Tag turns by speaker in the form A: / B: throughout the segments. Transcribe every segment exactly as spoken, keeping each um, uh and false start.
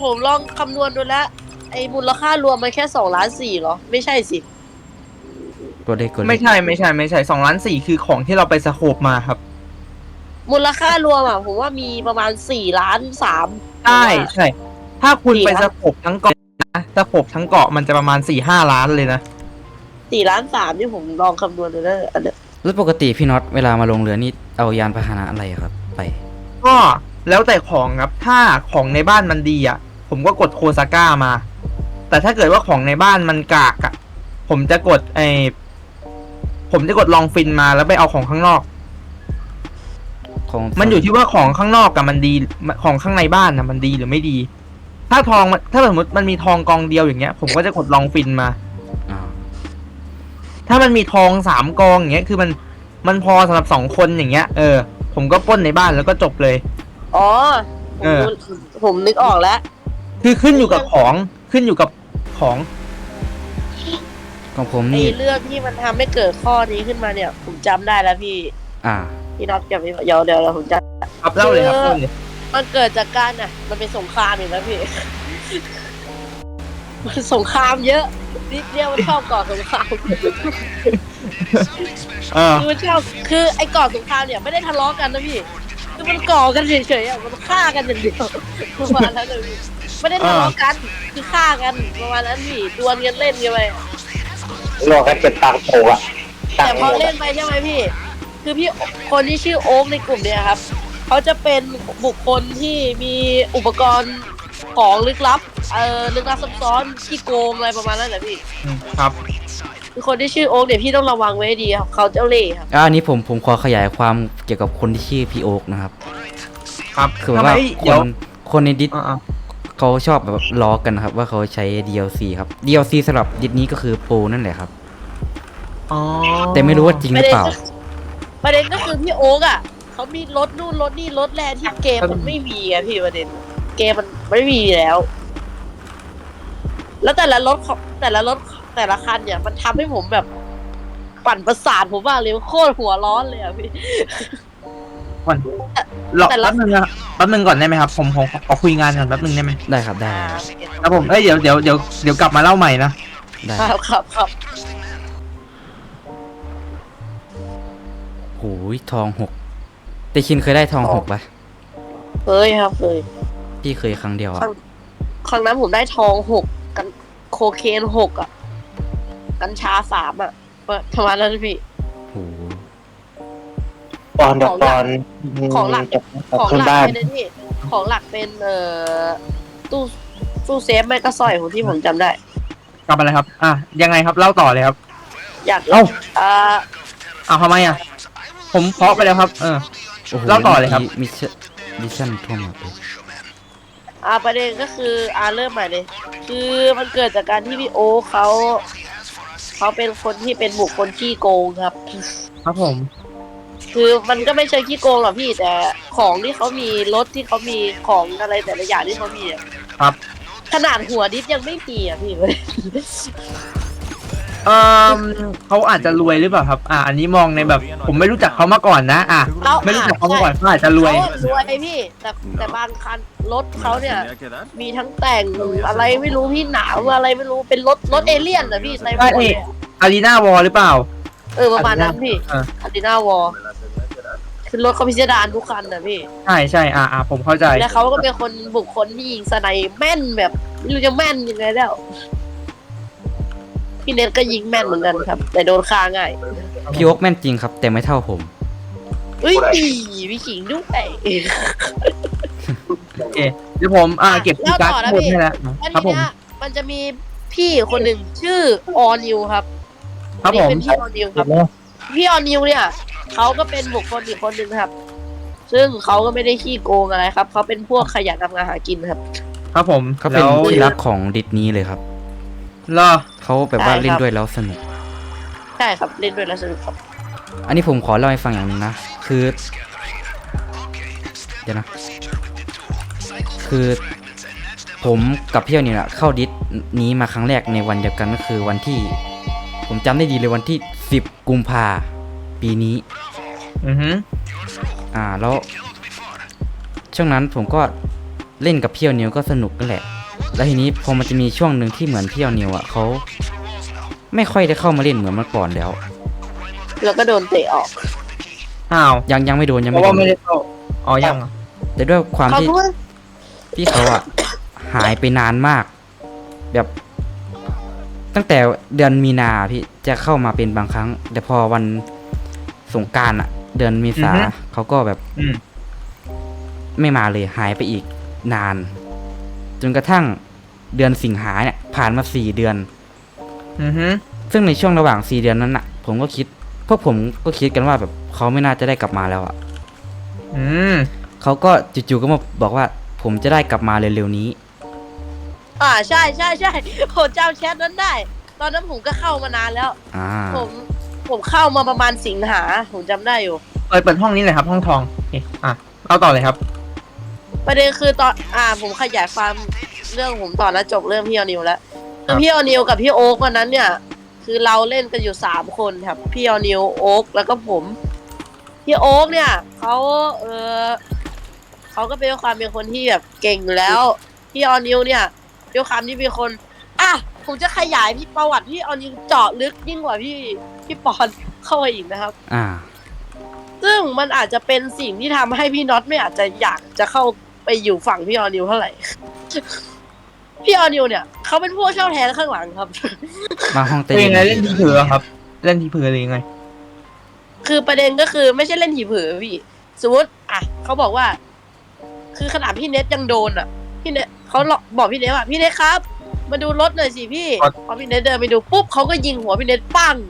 A: ผมลองคำนวณดูแล้วไอ้มูลค่ารวมมันแค่สองล้านสี่เหรอไม่ใช่สิ
B: ตัวเลขตัวเลข
C: ไม่ใช่ไม่ใช่ไม่ใช่สองล้านสี่คือของที่เราไปสโคปมาครับ
A: มูลค่ารวมอ่ะผมว่ามีประมาณสี่ล้านสาม
C: ใช่ใช่ถ้าคุณไปสโคปทั้งเกาะนะสโคปทั้งเกาะมันจะประมาณสี่ห้าล้านเลยนะ
A: สี่ล้านสามที่ผมลองคำนวณดูแล้วอันเนี้ย
B: แล้วปกติพี่น็อตเวลามาลงเรือนี่เอายานพาหนะอะไรครับไป
C: ก็แล้วแต่ของครับถ้าของในบ้านมันดีอ่ะผมก็กดโคซาก้ามาแต่ถ้าเกิดว่าของในบ้านมันกากอ่ะผมจะกดไอผมจะกดลองฟินมาแล้วไปเอาของข้างนอก
B: ของ
C: มันอยู่ที่ว่าของข้างนอกกับมันดีของข้างในบ้านนะมันดีหรือไม่ดี ถ้าทองถ้าสมมติมันมีทองกองเดียวอย่างเงี้ยผมก็จะกดลองฟินมาถ้ามันมีทองสามกองอย่างเงี้ยคือมันมันพอสำหรับสองคนอย่างเงี้ยเออผมก็ปล้นในบ้านแล้วก็จบเลย
A: อ๋อผมผมนึกออกแล้ว
C: คือขึ้นอยู่กับของขึ้นอยู่กับของ
B: ของผม
A: ไอ
B: นี่
A: เรื่องที่มันทำให้เกิดข้อนี้ขึ้นมาเนี่ยผมจำได้แล้วพี่
B: อ่า
A: พี่น็อตกับพี่เดี๋ยวเดี๋ยวผมจะ
C: ครับเล่าเลยครับเล่าเลย
A: มันเกิดจากการอ่ะมันเป็นสงครามอยู่แล้วพี่มันสงครามเยอะนิดเดียวมันชอบก่อสงครามคือมันชอบคือไอ้ก่อสงครามเนี่ยไม่ได้ทะเลาะกันนะพี่คือมันก่อกันเฉยๆอ่ะมันฆ่ากันอย่างเดียวประมาณนั้นเลยไม่ได้ทะเลาะกันคือฆ่ากันประมาณนั้นพี่ดวลกันเล่นกันไป
D: รอกันเป็นตังโผล่อะ
A: แต่พอเล่นไปใช่ไหมพี่คือพี่คนที่ชื่อโอ๊กในกลุ่มเนี่ยครับเขาจะเป็นบุคคลที่มีอุปกรณ์ของลึกลับเอ่อลึกลับซับซ้อนที่โกงอะไรประมาณนั้นแหละพี่
C: ครับ
A: คือคนที่ชื่อโอ๊กเนี่ยพี่ต้องระวังไว้ดีครับเขาเจ้าเล่ห์ครับ
B: อ่าอันนี้ผมผมขอขยายความเกี่ยวกับคนที่ชื่อพี่โอ๊กนะครับ
C: ครับ
B: คือว่าคนคนในดิสเขาชอบแบบล้อกันนะครับว่าเขาใช้ ดี แอล ซี ครับ ดี แอล ซี สำหรับดิสนี้ก็คือโปรนั่นแหละครับ
C: อ๋อ
B: แต่ไม่รู้ว่าจริงหรือเปล่า
A: ประเด็นก็คือพี่โอ๊กอ่ะเขามีรถนู่นรถนี่รถแรงที่เกมมันไม่มีอะพี่ประเด็นเกมมันไม่มีแล้ว แล้วแต่ละรถแต่ละรถแต่ละคันเนี่ยมันทำให้ผมแบบปั่นประสาทผมมากเลยโคตรหัวร้อนเลยอ่ะพี่
C: ก่อนรอแป๊บนึงนะแป๊บนึงก่อนได้ไหมครับผมผมขอคุยงานก่อนแป๊บนึงได้ไหม
B: ได้ครับได้
C: ครับผมเอ้ยเดี๋ยวเดี๋ยวเดี๋ยวเดี๋ยวกลับมาเล่าใหม่นะ
B: ได้
A: ครับครับครับ
B: โอ้ยทองหกแต่ชินเคยได้ทองหกปะ
A: เคยครับเคย
B: พี่เคยครั้งเดียวอะ
A: ครั้งนั้นผมได้ทองหกกันโคเคนหกอ่ะกัญชาสามอ่ะประมาณนั้นพี่
B: โอ้
D: ตอนเดี๋ยวตอน
A: ของหลักของหลักเป็นนี่ของหลักเป็นเอ่อตู้ตู้เซฟไม่ก็สร้อยของที่ผมจำได้
C: กลับมาเลยครับอ่ะยังไงครับเล่าต่อเลยครับ
A: อยาก
C: เล่า
A: อ่า
C: เอาทำไมอ่ะผมเพาะไปแล้วครับเออเล่าต่อเลยครับ
B: มิชมิชชั่นทั่วหมดเลย
A: อ่าประเด็นก็คืออ่าเริ่มใหม่เลยคือมันเกิดจากการที่พี่โอเขาเขาเป็นคนที่เป็นบุคคลขี้โกงครับ
C: ครับผม
A: คือมันก็ไม่ใช่ขี้โกงหรอกพี่แต่ของที่เขามีรถที่เขามีของอะไรแต่ละอย่างที่เขามี
C: ครับ
A: ขนาดหัวดิสยังไม่มีอ่ะพี่
C: เออเขาอาจจะรวยหรือเปล่าครับอ่าอันนี้มองในแบบผมไม่รู้จักเขามาก่อนนะอ่ะไม่รู้จักเขามาก่อนเขาอาจจะรวย
A: รวยพี่แต่แต่บางคันรถเขาเนี่ยมีทั้งแต่งอะไรไม่รู้พี่หนาวอะไรไม่รู้เป็นรถรถเอเลี่ยนเหรอพี่ใน
C: ใช่อารีนาวอลหรือเปล่า
A: เออประมาณนั้นพี่อารีนาวอลคือรถเขาพิจารณาทุกคันนะพี่
C: ใช่ใช่อ่าอ่าผมเข้าใจ
A: แล้วเขาก็เป็นคนบุคคลที่ยิงสไนแม่นแบบไม่รู้จะแม่นยังไงแล้วพี่เน็ตก็ยิงแม่นเหมือนกันครับแต่โดนฆ่าง่าย
B: พี่โอ๊กแม่นจริงครับแต่ไม่เท่าผม
A: เฮ้ยพี่ขิงด้วย
C: โอเคเดี๋ยวผมอ่าเก็บที่การ์ดหมดให้แล้วครับผม
A: มันจะมีพี่คนหนึ่งชื่อออนิวครับ
C: ครับผม
A: เป็นพี่ออนิวครับพี่ออนิวเนี่ยเขาก็เป็นบุคคลอีกคนหนึ่งครับซึ่งเขาก็ไม่ได้ขี้โกงอะไรครับเขาเป็นพวกขยันทำงานหากินครับ
C: ครับผม
B: เขาเป็นที่รักของดิสนีย์เลยครับ
C: เหรอ
B: เขาแบบว่าเล่นด้วยแล้วสนุก
A: ใช่ครับเล่นด้วยแล้วสนุกครับ
B: อันนี้ผมขอเล่าให้ฟังอย่างนึงนะคือเดี๋ยวนะคือผมกับพี่นี่แหละเข้าดิสนี้มาครั้งแรกในวันเดียวกันก็คือวันที่ผมจำได้ดีเลยวันที่สิบกุมภาปีนี้
C: อือฮึ
B: อ่าแล้วช่วงนั้นผมก็เล่นกับพี่ออนิวก็สนุกนั่นแหละแล้วทีนี้พอมันจะมีช่วงหนึ่งที่เหมือนพี่ออนิวอ่ะเขาไม่ค่อยได้เข้ามาเล่นเหมือนเมื่อก่อนแล้ว
A: แล้วก็โดนเตะออก
C: อ้าว
B: ยังยังไม่โดนยัง
C: เพ
B: ไม่
C: ราะ
B: โด
C: ว่าน ไม่ได้เข้าอ๋อยังเหรอ
B: แต่ด้วยความ
A: เขา
B: ที่
A: ก็ว่า
B: พี่เขาอ่ะ หายไปนานมาก แบบ ตั้งแต่เดือนมีนาพี่จะเข้ามาเป็นบางครั้ง แต่พอวันสงกรานต์อ่ะ เดือนเมษาเขาก็แบบ
C: อืม
B: ไม่มาเลยหายไปอีกนาน จนกระทั่งเดือนสิงหาเนี่ยผ่านมาสี่เดือน
C: อือฮึ
B: ซึ่งในช่วงระหว่างสี่เดือนนั้นน่ะ ผมก็คิดพวกผมก็คิดกันว่าแบบเขาไม่น่าจะได้กลับมาแล้วอ่ะ
C: อืม
B: เขาก็จู่ๆก็มาบอกว่า ผมจะได้กลับมาเร็วๆนี้
A: อ่าใช่ใช่ใช่ผมจำแชทนั้นได้ ตอนนั้นผมก็เข้ามานานแล้ว
B: อ่า
A: ผมผมเข้ามาประมาณสิงหาผมจำได้อยู่
C: เปิดเปิดห้องนี้เลยครับ ห้องทองโอเคอ่ะเอาต่อเลยครับ
A: ประเด็นคือตอนอ่าผมขยายความเรื่องผมต่อแล้วจบเรื่องพี่ออนิวแล้ว
C: ครั
A: คือบ พี่ออนิวกับพี่โอ๊กวันนั้นเนี่ย คือเราเล่นกันอยู่สามคนครับพี่ออนิวโอ๊กแล้วก็ผมพี่โอ๊กเนี่ยเขาเออเขาก็เป็นความเป็นคนที่แบบเก่งอยู่แล้วพี่ออนิวเนี่ยด้วยความที่เป็นคนอ่ะผมจะขยายพี่ประวัติพี่ออนิวเจาะลึกยิ่งกว่าพี่พี่ปอนเข้าไปอีกนะครับ
B: อ่า
A: ซึ่งมันอาจจะเป็นสิ่งที่ทำให้พี่น็อตไม่อาจจะอยากจะเข้าไปอยู่ฝั่งพี่ออนิวเท่าไหร่ พี่ออนิวเนี่ยเขาเป็นผู้เช่าแทนข้างหลังครับ
B: มาห้องเต้
C: เป็นยังไง
B: น
C: เล่นทีเผือครับ เล่นทีเผือหรือยังไง
A: คือประเด็นก็คือไม่ใช่เล่นหีเผือพี่ สมมติอ่ะเขาบอกว่า คือขนาดพี่เน็ตยังโดนอ่ะ พี่เน็ตเขาบอกพี่เน็ตว่าพี่เน็ตครับ มาดูรถหน่อยสิพี่
C: ครับ
A: พอพี่เน็ตเดินไปดูปุ๊บเขาก็ยิงหัวพี่เน็ตปั้ง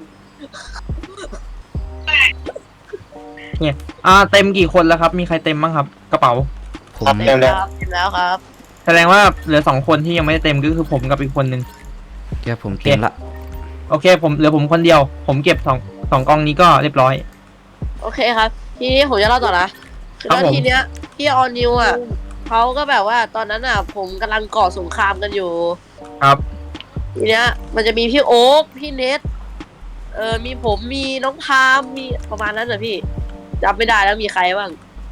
C: อ่าเต็มกี่คนแล้วครับ มีใครเต็มบ้างครับ กระเป๋า
B: ผม
D: ครับ
A: เต็มแล้วเต็มแล้วครับ
C: แสดงว่าเหลือสองคนที่ยังไม่ได้เต็มก็คือผมกับอีกคนนึง
B: เดี๋ยวผมเต็มละ
C: โอเค ผมเหลือผมคนเดียว ผมเก็บสองสองกองนี้ก็เรียบร้อย
A: โอเคครับ ทีนี้ผมจะเล่าต่อนะคือ
C: ครับ
A: แล้ว
C: ผม
A: ทีเนี้ยพี่ออนิวอ่ะเขาก็แบบว่าตอนนั้นอ่ะ ผมกำลังก่อสงครามกันอยู่
C: ครับ
A: ทีเนี้ย มันจะมีพี่โอ๊คพี่เน็ตเออมีผมมีน้องพามมีประมาณนั้นเหรอพี่จำไม่ได้แล้วมีใครบ้าง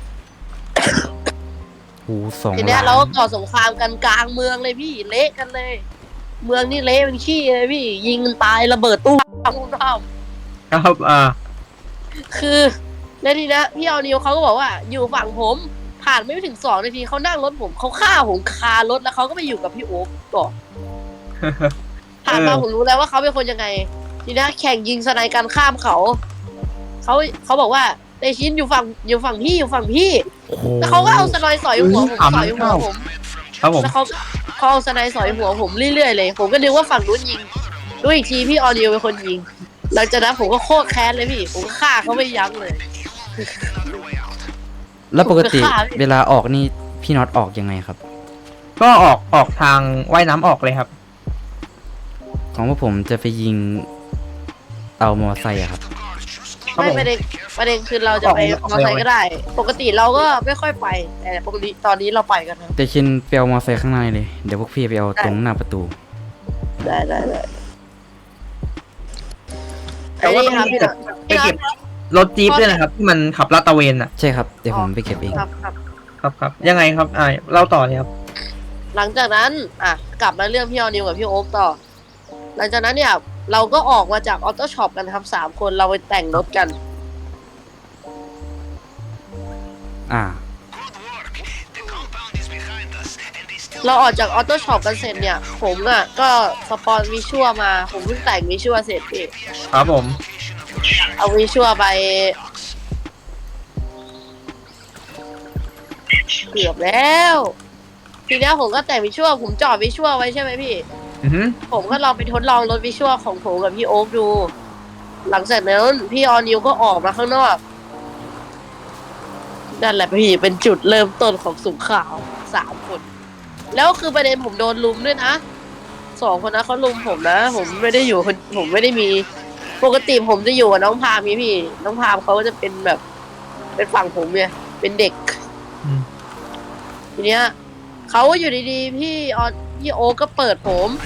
B: หูสอง
A: ทีเนี้ย
B: ล้าน
A: เราก็ก่อสงครามกันกลางเมืองเลยพี่เละกันเลย เมืองนี่เละเป็นขี้เลยพี่ ยิงกันตายระเบิดตู้ตุ้มต้อม
C: ครับอ่า
A: คือแล้วทีเนี้ยพี่ออนิวเขาก็บอกว่าอยู่ฝั่งผมผ่านไม่ถึงสองนาทีเขานั่งรถผมเขาฆ่าผมคารถแล้วเขาก็ไปอยู่กับพี่โอ๊คก่อน ผ่านมา
C: เออ
A: ผมรู้แล้วว่าเขาเป็นคนยังไง ทีนี้แข่งยิงสไนกันข้ามเขาเขาเขาบอกว่าในชิ้นอยู่ฝั่งอยู่ฝั่งพี่อยู่ฝั่งพี่
B: โอ้โห
A: แล้วเขาก็เอาสไนสอยหัวผม
C: อืม
A: สอยหัว
C: เข้า
A: ผม
C: ครับผม
A: แล้วเขาเขาเอาสไนสอยหัวผมเรื่อยๆเลย ผมก็นึกว่าฝั่งนู้นยิงรู้อีกทีพี่ออนิวเป็นคนยิงหลังจากนั้นผมก็โคตรแค้นเลยพี่ ผมก็ฆ่าเขาไม่ยั้งเลย
B: แล้วปกติ
A: ผมจะฆ่าพี่
B: เวลาออกนี่พี่น็อตออกยังไงครับ
C: ก็ออกออกทางว่ายน้ำออกเลยครับ
B: ของพวกผมจะไปยิงเอามอไซค์อะครับ
C: ครับ
A: ไม่
C: ผม
A: ประเด็นประเด็นคือเราจะไป
C: ออก
A: มอ
C: เลย
A: ไซค์ก็ได้ ปกติเราก็ไม่ค่อยไป แต่ปกติตอนนี้เราไปกันนะ
B: แต่ชินไปเอามอไซค์ข้างในเลย เดี๋ยวพวกพี่ไปเอาตรงหน้าประตู
A: ได้ได้ได้
C: แต่ว่าต้อง
A: ครับ
C: ไป
A: พี่
C: เก็
A: น็
C: บ
A: อต
C: ไปเก็บรถจี๊ปด้วยนะครับ ที่มันขับลาดตระเวนอ่ะ
B: ใช่ครับ เดี๋ยวผมไปเก็บเอง
A: ครับครับ
C: ครับครับยังไงครับอ่าเล่าต่อเลยครับ
A: หลังจากนั้น อ่ะ กลับมาเรื่องพี่ออนิวกับพี่โอ๊คต่อ หลังจากนั้นเนี่ย เราก็ออกมาจากออโต้ช็อปกันครับสามคนเราไปแต่งรถกัน
B: อ่า
A: เราออกจากออโต้ช็อปกันเสร็จเนี่ย ผมอ่ะก็สปอนวิชัวมา ผมเพิ่งแต่งวิชัวเสร็จพี่
C: ครับผม
A: เอาวิชัวไปเกือบแล้ว ทีเนี้ยผมก็แต่งวิชัวผมจอดวิชัวไว้ใช่ไหมพี่
C: อือฮึ
A: ผมก็ลองไปทดลองรถวิชวลของผมกับพี่โอ๊คดู หลังจากนั้นพี่ออนิวก็ออกมาข้างนอก นั่นแหละพี่เป็นจุดเริ่มต้นของสงครามสามคน แล้วคือประเด็นผมโดนลุมด้วยนะสองคนนั้นเขาลุมผมนะ ผมไม่ได้อยู่คนผมไม่ได้มี ปกติผมจะอยู่กับน้องพามพี่พี่ น้องพามเขาก็จะเป็นแบบ เป็นฝั่งผมไงเป็นเด็ก
C: อืม
A: ทีเนี้ยเขาอยู่ดีๆ พี่ออนพี่โอ๊คก็เปิดผม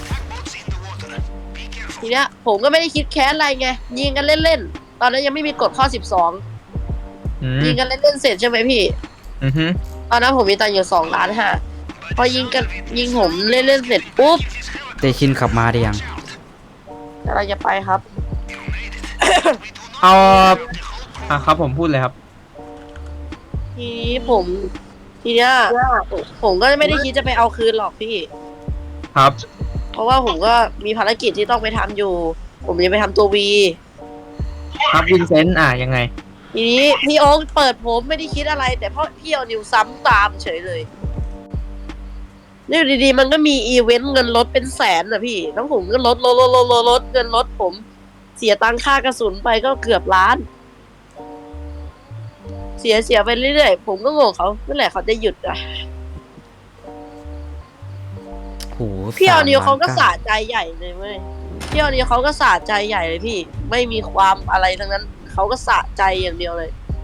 A: ทีเนี้ยผมก็ไม่ได้คิดแค้นอะไรไงยิงกันเล่นๆ ตอนนั้นยังไม่มีกฎข้อสิบสอง
C: อืม
A: ยิงกันเล่นๆเสร็จใช่ไหมพี่
C: อือฮึ
A: ตอนนั้นผมมีตังค์อยู่สองล้านห้าพอยิงกันยิงผมเล่นเล่นๆเสร็จปุ๊บ
B: เตชินขับมาได้ยัง
A: เราจะไปครับ
C: เอาอ่ะครับผมพูดเลยครับ
A: ทีนี้ผมทีเนี้ยผมก็ไม่ได้คิดจะไปเอาคืนหรอกพี่
C: ครับ
A: เพราะว่าผมก็มีภารกิจที่ต้องไปทำอยู่ ผมจะไปทำตัววี
C: ครับวินเซนต์อ่ะยังไง
A: ทีนี้พี่โอ๊คเปิดผมไม่ได้คิดอะไร แต่เพราะพี่เอานิวซ้ำตามเฉยเลยนี่อยู่ดีๆมันก็มีอีเวนต์เงินลดเป็นแสนนะพี่แล้วผมก็ลดลดลดลดลดลดเงินลดผม เสียตังค่ากระสุนไปก็เกือบล้าน เสียเสียไปเรื่อยๆผมก็งงเขาเมื่อไหร่เขาจะหยุดอ่ะ
B: โห
A: พี่เอานิวเขาก็
B: สา
A: สะใจใหญ่เลยเว้ยพี่เอานิวเขาก็สะใจใหญ่เลยพี่ ไม่มีความอะไรทั้งนั้นเขาก็สะใจอย่างเดียวเลย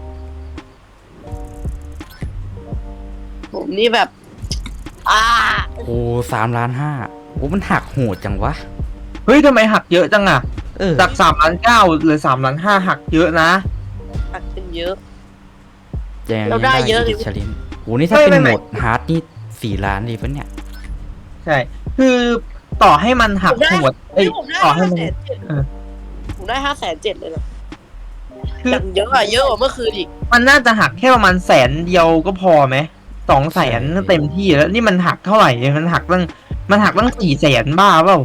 A: ผมนี่แบบ อ่า
B: โอ้สามล้านห้าโอ้มันหักโหดจังวะ
C: เฮ้ยทำไมหักเยอะจังอ่ะ
B: เออ
C: จากสามล้านเก้าเหลือสามล้านห้าหักเยอะนะ
A: หักเป็นเยอะ
B: ยัง
A: เราได้เยอะ
B: ดิชลินโหนี่ถ้า
C: ไม่
B: เป็น
C: ไม่
B: โหมดฮาร์ดนี่สี่ล้านดีปะเนี่ย
C: ใช่ คือต่อให้มันหัก
A: ผมได้
C: โหดเอ้ย
A: ผมได้
C: ต่อให้
A: ห้า
C: มัน
A: แสนเจ็ด
C: เออ
A: ผมได้ห้าแสนเจ็ดเลยนะ
C: คือ
A: อย่างเยอะอะเยอะกว่าเมื่อคืนอีก
C: มันน่าจะหักแค่ประมาณแสนเดียวก็พอไหมสองแสน
B: ใช่
C: เต็มที่แล้วนี่มันหักเท่าไหร่เนี่ยมันหักตั้งมันหักตั้งสี่แสนบ้าเปล่า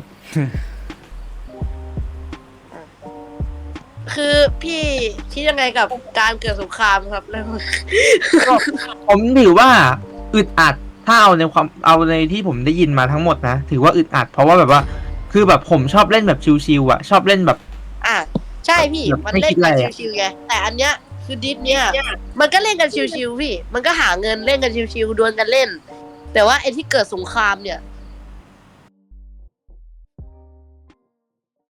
A: คือพี่คิดยังไงกับการเกิดสงครามครับแล้ว
C: ก็ผมถือว่าอึดอัดถ้าเอาในความเอาในที่ผมได้ยินมาทั้งหมดนะถือว่าอึดอัด เพราะว่าแบบว่า คือแบบผมชอบเล่นแบบชิวๆอ่ะ ชอบเล่นแบบ
A: อ่ะใช่พี่
C: แบบ
A: มัน
C: ไม่
A: เล่
C: คิ
A: น
C: ด
A: กัน
C: อะไรอะ
A: ชิวๆไงแต่อันเนี้ยคือดิสเนี้ยมันก็เล่นกันชิวๆพี่ มันก็หาเงินเล่นกันชิวๆดวลกันเล่น แต่ว่าไอ้ที่เกิดสงครามเนี่ย